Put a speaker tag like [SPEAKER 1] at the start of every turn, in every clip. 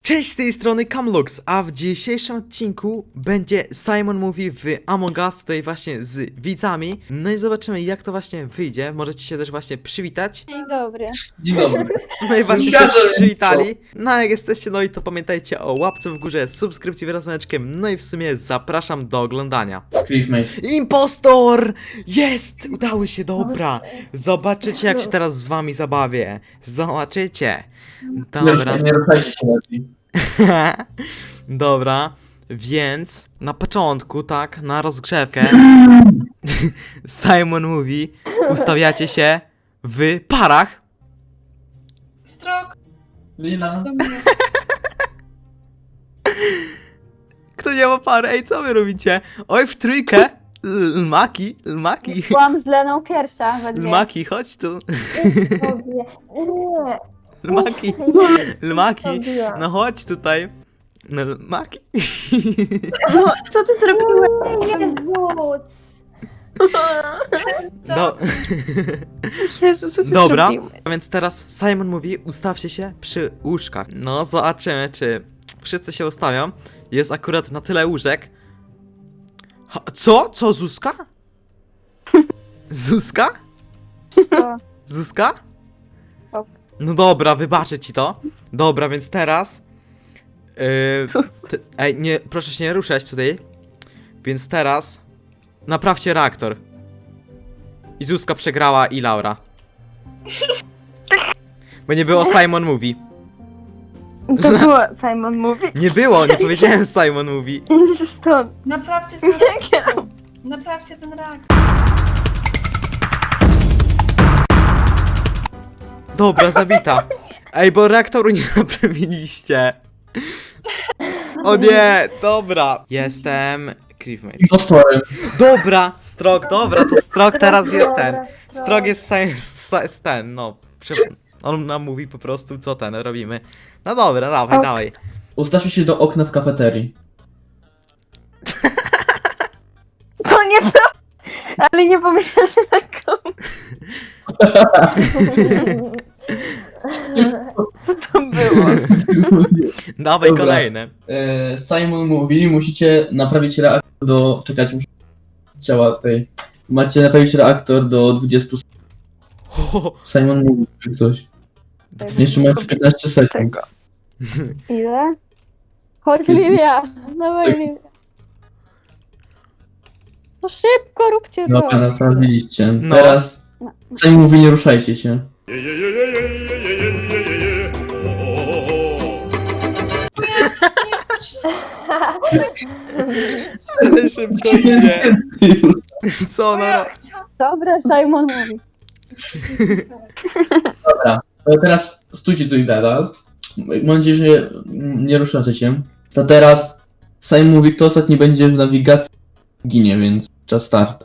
[SPEAKER 1] Cześć, z tej strony Camlux, a w dzisiejszym odcinku będzie Simon Mówi w Among Us, tutaj właśnie z widzami. No i zobaczymy, jak to właśnie wyjdzie. Możecie się też właśnie przywitać.
[SPEAKER 2] Dzień dobry.
[SPEAKER 3] Dzień dobry.
[SPEAKER 1] No i właśnie się przywitali. No a jak jesteście, no i to pamiętajcie o łapce w górze, subskrypcji wraz z dzwoneczkiem. No i w sumie zapraszam do oglądania.
[SPEAKER 3] Cliffmate.
[SPEAKER 1] Impostor! Jest! Udało się, dobra. Zobaczycie, jak się teraz z wami zabawię. Zobaczycie. Dobra.
[SPEAKER 3] Nie ruszajcie się lepiej.
[SPEAKER 1] Dobra, więc na początku, tak, na rozgrzewkę Simon mówi, ustawiacie się w parach.
[SPEAKER 4] Strok,
[SPEAKER 3] Lila.
[SPEAKER 4] do mnie.
[SPEAKER 1] Kto nie ma pary? Ej, co wy robicie? Oj, w trójkę. Lmaki,
[SPEAKER 2] Byłam z Leną pierwsza we dwie.
[SPEAKER 1] Lmaki, chodź tu. Lmaki, no chodź tutaj. No, Lmaki.
[SPEAKER 2] No, co ty zrobiłeś?
[SPEAKER 4] Nie wódz. Co?
[SPEAKER 1] No.
[SPEAKER 2] Jezu, co ty
[SPEAKER 1] Dobra,
[SPEAKER 2] zrobiłeś?
[SPEAKER 1] a więc teraz Simon mówi, ustawcie się przy łóżkach. No, zobaczymy, czy wszyscy się ustawią. Jest akurat na tyle łóżek. Co? Co, Zuzka? Zuzka?
[SPEAKER 2] Co?
[SPEAKER 1] Zuzka?
[SPEAKER 2] Ok.
[SPEAKER 1] No dobra, wybaczę ci to. Dobra, więc teraz... ej, nie, proszę się nie ruszać tutaj. Więc teraz... Naprawcie reaktor. I Zuzka przegrała i Laura. Bo nie było Simon mówi.
[SPEAKER 2] To było Simon mówi.
[SPEAKER 1] Nie było, nie powiedziałem Simon mówi.
[SPEAKER 2] Stąd.
[SPEAKER 4] Naprawcie ten reaktor. Naprawcie ten reaktor.
[SPEAKER 1] Dobra, zabita. Ej, bo reaktoru nie naprawiliście. O nie, dobra. Jestem... Cliffmate.
[SPEAKER 3] Impostorem.
[SPEAKER 1] Dobra, Strok, dobra, to Strok teraz jest ten. Strok jest ten, no. On nam mówi po prostu, co ten robimy. No dobra, dawaj,
[SPEAKER 2] Ok.
[SPEAKER 1] dawaj.
[SPEAKER 3] Ustawcie się do okna w kafeterii.
[SPEAKER 2] To nie ale nie pomyślałam na komu. Co to było?
[SPEAKER 1] Dawaj
[SPEAKER 3] Dobra.
[SPEAKER 1] kolejne.
[SPEAKER 3] Simon mówi, musicie naprawić reaktor do... Czekajcie, muszę... Ciała tej... Macie naprawić reaktor do 20 sekund. Simon mówi jak coś. Jeszcze macie 15 sekund.
[SPEAKER 2] Tego. Ile? Chodź Lilia. Dawaj Lilia. No szybko róbcie to.
[SPEAKER 3] Dobra, naprawiliście.
[SPEAKER 1] No.
[SPEAKER 3] Teraz... Simon mówi, nie ruszajcie się.
[SPEAKER 1] Ale szybko idzie. Co ona
[SPEAKER 4] Ja
[SPEAKER 1] robi?
[SPEAKER 4] chciałam.
[SPEAKER 2] Dobra, Simon mówi.
[SPEAKER 3] Dobra, to teraz stójcie tutaj dalej. Mam nadzieję, że nie ruszacie się. To teraz Simon mówi, kto ostatni będzie w nawigacji, ginie, więc czas start.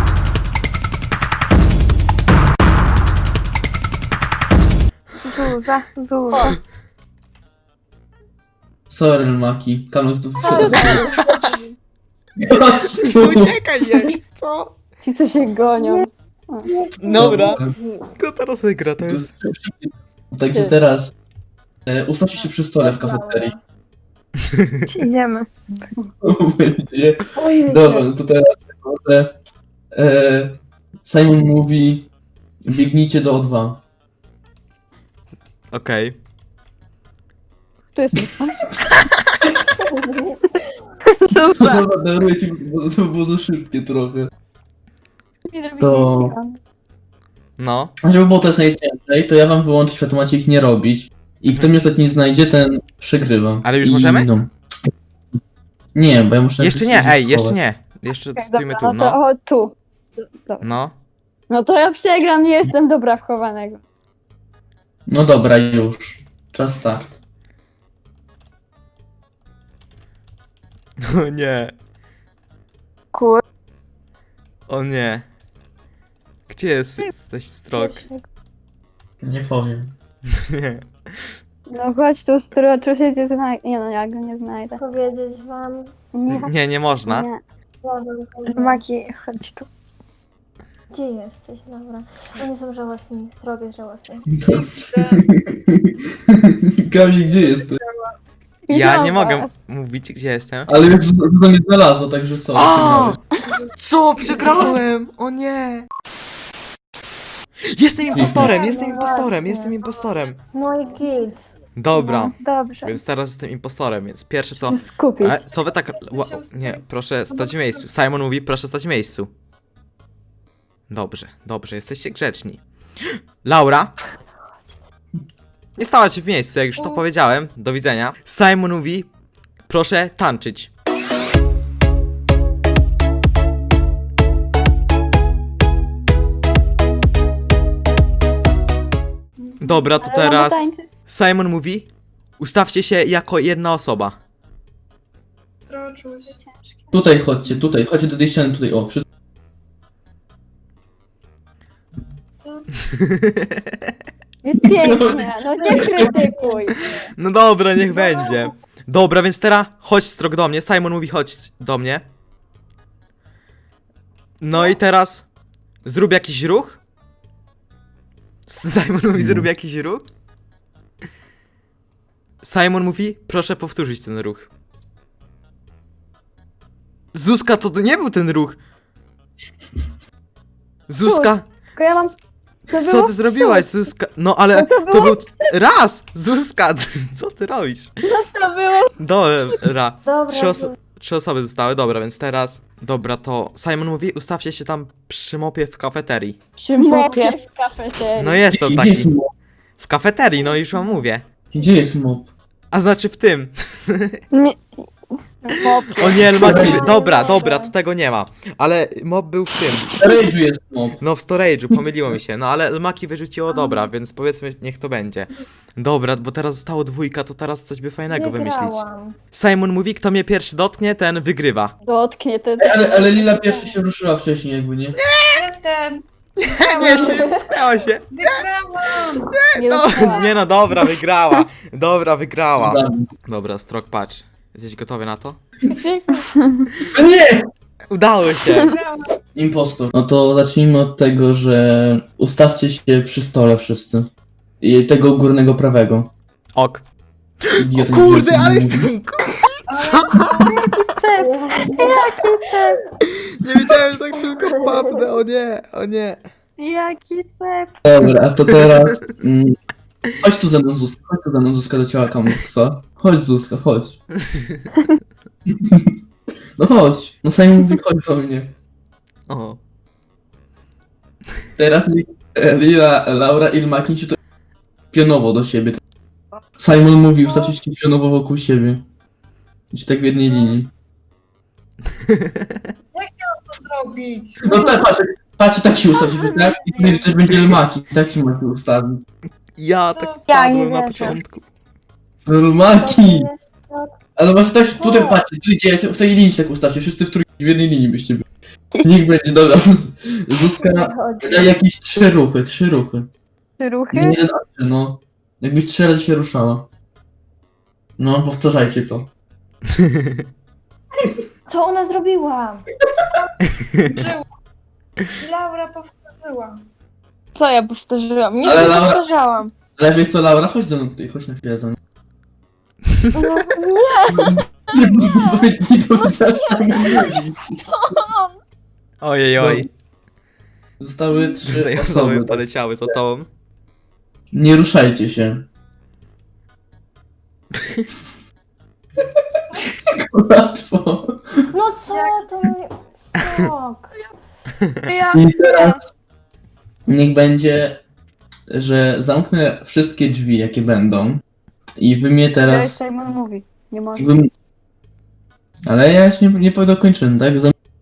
[SPEAKER 2] Zuza.
[SPEAKER 3] Sorry, Maki. Kanus tu
[SPEAKER 2] Co?
[SPEAKER 3] wszedł. Chodź tu.
[SPEAKER 1] Uciekaj jej. Co?
[SPEAKER 2] Ci co się gonią.
[SPEAKER 1] Dobra. Kto teraz wygra? To jest...
[SPEAKER 3] Także teraz ustawcie się przy stole w kafeterii.
[SPEAKER 2] Idziemy.
[SPEAKER 3] Będzie. Dobra, no to teraz może, Simon mówi, biegnijcie do O2.
[SPEAKER 1] Okej.
[SPEAKER 2] Tu jest Zuza.
[SPEAKER 3] Dobra, daruję ci, bo to było za szybkie trochę.
[SPEAKER 2] I
[SPEAKER 3] To-
[SPEAKER 2] zrobili
[SPEAKER 1] No.
[SPEAKER 3] A żeby było to jest najciężej, to ja wam wyłączę światło, macie ich nie robić. I kto mnie ostatni znajdzie, ten przegrywa.
[SPEAKER 1] Ale już
[SPEAKER 3] I,
[SPEAKER 1] możemy?
[SPEAKER 3] No. Nie, bo ja muszę...
[SPEAKER 1] Jeszcze nie, ej, jeszcze nie. Jeszcze stójmy tu,
[SPEAKER 2] No to
[SPEAKER 1] no.
[SPEAKER 2] o, tu. To.
[SPEAKER 1] No.
[SPEAKER 2] No to ja przegram, nie jestem dobra w chowanego.
[SPEAKER 3] No dobra, już. Czas start.
[SPEAKER 1] O nie.
[SPEAKER 2] Kur...
[SPEAKER 1] O nie. Gdzie jesteś, Strok?
[SPEAKER 3] Nie powiem.
[SPEAKER 1] Nie.
[SPEAKER 2] No chodź tu, stroczu się cię znajdę. Nie no, ja go nie znajdę.
[SPEAKER 5] Powiedzieć wam,
[SPEAKER 1] Nie, nie można.
[SPEAKER 2] Nie.
[SPEAKER 5] ja wam powiem.
[SPEAKER 2] Maki, chodź tu.
[SPEAKER 5] Gdzie jesteś, dobra? Oni są żałosni, drog jest żałosny.
[SPEAKER 3] Kamil, gdzie jesteś?
[SPEAKER 1] Ja nie
[SPEAKER 5] Zobacz.
[SPEAKER 1] mogę mówić, gdzie jestem.
[SPEAKER 3] Ale już to nie znalazło, także są.
[SPEAKER 1] O! Co? Przegrałem! O nie! Jestem impostorem,
[SPEAKER 5] Nie,
[SPEAKER 1] jestem
[SPEAKER 5] no
[SPEAKER 1] impostorem,
[SPEAKER 5] właśnie.
[SPEAKER 1] jestem impostorem.
[SPEAKER 5] No i git.
[SPEAKER 1] Dobra,
[SPEAKER 5] Dobrze.
[SPEAKER 1] więc teraz jestem impostorem, więc pierwsze co...
[SPEAKER 5] Skupić.
[SPEAKER 1] Co wy tak... Nie, proszę stać w miejscu. Simon mówi, proszę stać w miejscu. Dobrze, dobrze, jesteście grzeczni. Laura? Nie stała się w miejscu, jak już to powiedziałem. Do widzenia. Simon mówi, proszę tańczyć. Dobra, to teraz Simon mówi, ustawcie się jako jedna osoba.
[SPEAKER 4] Stroczuś.
[SPEAKER 3] Tutaj chodźcie do tej ściany, tutaj, o, wszyscy.
[SPEAKER 4] Co?
[SPEAKER 5] Jest pięknie, no nie krytykuj.
[SPEAKER 1] No dobra, niech będzie. Dobra, więc teraz chodź Strok do mnie. Simon mówi chodź do mnie. No i teraz zrób jakiś ruch. Simon mówi zrób jakiś ruch. Simon mówi proszę powtórzyć ten ruch. Zuzka, to nie był ten ruch. Zuzka,
[SPEAKER 5] Tylko ja mam... To
[SPEAKER 1] co
[SPEAKER 5] było
[SPEAKER 1] ty zrobiłaś, Zuzka? No ale
[SPEAKER 5] No to
[SPEAKER 1] to
[SPEAKER 5] było-
[SPEAKER 1] był raz. Zuzka, co ty robisz?
[SPEAKER 5] To było...
[SPEAKER 1] Dobra.
[SPEAKER 5] Dobra,
[SPEAKER 1] Trzy osoby zostały, dobra, więc teraz... Dobra, to Simon mówi, ustawcie się tam przy mopie w kafeterii.
[SPEAKER 5] przy mopie w kafeterii.
[SPEAKER 1] No jest on
[SPEAKER 3] Gdzie jest
[SPEAKER 1] taki.
[SPEAKER 3] mop?
[SPEAKER 1] W kafeterii, no już wam mówię.
[SPEAKER 3] Gdzie jest mop?
[SPEAKER 1] A znaczy w tym.
[SPEAKER 5] Mopie.
[SPEAKER 1] O nie, Maki...
[SPEAKER 3] Dobra.
[SPEAKER 1] Dobra, to tego nie ma. Ale mob był w tym.
[SPEAKER 3] W storage'u jest mop.
[SPEAKER 1] No w storage'u, pomyliło mi się. No ale Maki wyrzuciło dobra, więc powiedzmy, niech to będzie. Dobra, bo teraz zostało dwójka, to teraz coś by fajnego wymyślić.
[SPEAKER 5] Wygrałam.
[SPEAKER 1] Simon mówi, kto mnie pierwszy dotknie, ten wygrywa.
[SPEAKER 5] Dotknie ten...
[SPEAKER 3] Ale Lila pierwsza się ruszyła wcześniej, jakby nie?
[SPEAKER 4] Jestem!
[SPEAKER 1] Nie, jeszcze nie tknęła się.
[SPEAKER 4] Wygrałam!
[SPEAKER 5] Nie
[SPEAKER 1] No,
[SPEAKER 5] dotknęła.
[SPEAKER 1] nie no, dobra, wygrała. Dobra, wygrała.
[SPEAKER 3] Cudami.
[SPEAKER 1] Dobra, Strok, patrz. Jesteś gotowy na to?
[SPEAKER 3] O nie!
[SPEAKER 1] Udało się.
[SPEAKER 4] Wygrałam!
[SPEAKER 3] Impostor. No to zacznijmy od tego, że ustawcie się przy stole wszyscy. I tego górnego prawego.
[SPEAKER 1] Ok.
[SPEAKER 3] Idiota,
[SPEAKER 1] Kurde,
[SPEAKER 3] nie
[SPEAKER 1] ale
[SPEAKER 3] mówi.
[SPEAKER 1] jestem...
[SPEAKER 4] Co?
[SPEAKER 5] Jaki cep.
[SPEAKER 1] Nie wiedziałem, że tak szybko wpadnę, o nie, o nie.
[SPEAKER 5] Jaki cep.
[SPEAKER 3] Dobra, a to teraz... Chodź tu ze mną Zuzka do ciała Kamuksa. Chodź Zuzka, chodź. No chodź. No Simon mówi chodź do mnie.
[SPEAKER 1] O.
[SPEAKER 3] Teraz Lila, Laura i Maki się to pionowo do siebie. Simon mówi, ustawcie się pionowo wokół siebie. Idź tak w jednej linii.
[SPEAKER 4] Co zrobić?
[SPEAKER 3] No tak, patrz, tak się ustawi, tak? I tutaj też będzie Maki, tak się Maki ustawi.
[SPEAKER 1] Ja
[SPEAKER 4] Co?
[SPEAKER 1] tak
[SPEAKER 2] Ja nie
[SPEAKER 1] wpadłem na
[SPEAKER 2] wierzę.
[SPEAKER 1] początku.
[SPEAKER 3] Maki! Ale masz też tutaj, patrzcie, tu gdzie ja jestem, w tej linii się tak ustawcie, wszyscy w trójkę, w jednej linii byście byli. Niech będzie, dobra. Zuzka da jakieś trzy ruchy.
[SPEAKER 5] Trzy ruchy?
[SPEAKER 3] Nie jeden akcję, no. Jakbyś 3 razy się ruszała. No, powtarzajcie to.
[SPEAKER 5] Co ona zrobiła?
[SPEAKER 4] Żyła. Laura powtórzyła.
[SPEAKER 5] Co ja powtórzyłam? Nic
[SPEAKER 3] Ale
[SPEAKER 5] nie
[SPEAKER 3] Laura-
[SPEAKER 5] powtarzałam.
[SPEAKER 3] Ale wiesz co, Laura, chodź ze mną tutaj, chodź na chwilę za mną.
[SPEAKER 5] No,
[SPEAKER 3] Nie powiedziałaś tak.
[SPEAKER 1] Ojej, oj.
[SPEAKER 3] Zostały 3
[SPEAKER 1] Tutaj
[SPEAKER 3] osoby.
[SPEAKER 1] osoby poleciały za tobą.
[SPEAKER 3] Nie ruszajcie się. Łatwo.
[SPEAKER 5] no co to mnie... Skok.
[SPEAKER 3] I teraz niech będzie, że zamknę wszystkie drzwi, jakie będą. I wy mnie teraz...
[SPEAKER 5] Simon mówi. Nie może.
[SPEAKER 3] Jakbym... Ale ja jeszcze nie dokończyłem, tak?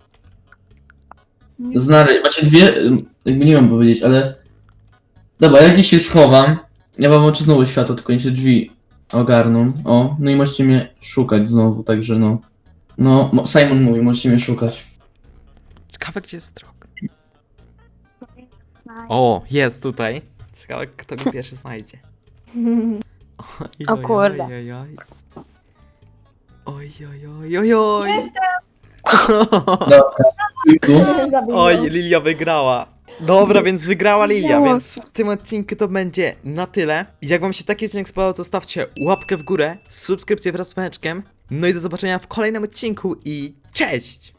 [SPEAKER 3] Macie dwie, jakby nie mam powiedzieć, ale... Dobra, ja gdzieś się schowam. Ja wam oczy znowu światło, tylko nie się drzwi ogarną. O, no i możecie mnie szukać znowu, także no. No, Simon mówi, możecie mnie szukać.
[SPEAKER 1] Ciekawe, gdzie jest Strok. O, jest tutaj. Ciekawe, kto go pierwszy znajdzie. Oj,
[SPEAKER 2] O kurde.
[SPEAKER 1] Oj, oj, oj. Oj, oj, oj, oj.
[SPEAKER 4] Jestem!
[SPEAKER 3] Dobra, tu.
[SPEAKER 1] Oj, Lilia wygrała. Dobra, więc wygrała Lilia,
[SPEAKER 2] Miało.
[SPEAKER 1] więc w tym odcinku to będzie na tyle. Jak wam się taki odcinek spodobał, to stawcie łapkę w górę, subskrypcję wraz z dzwoneczkiem. No i do zobaczenia w kolejnym odcinku i cześć!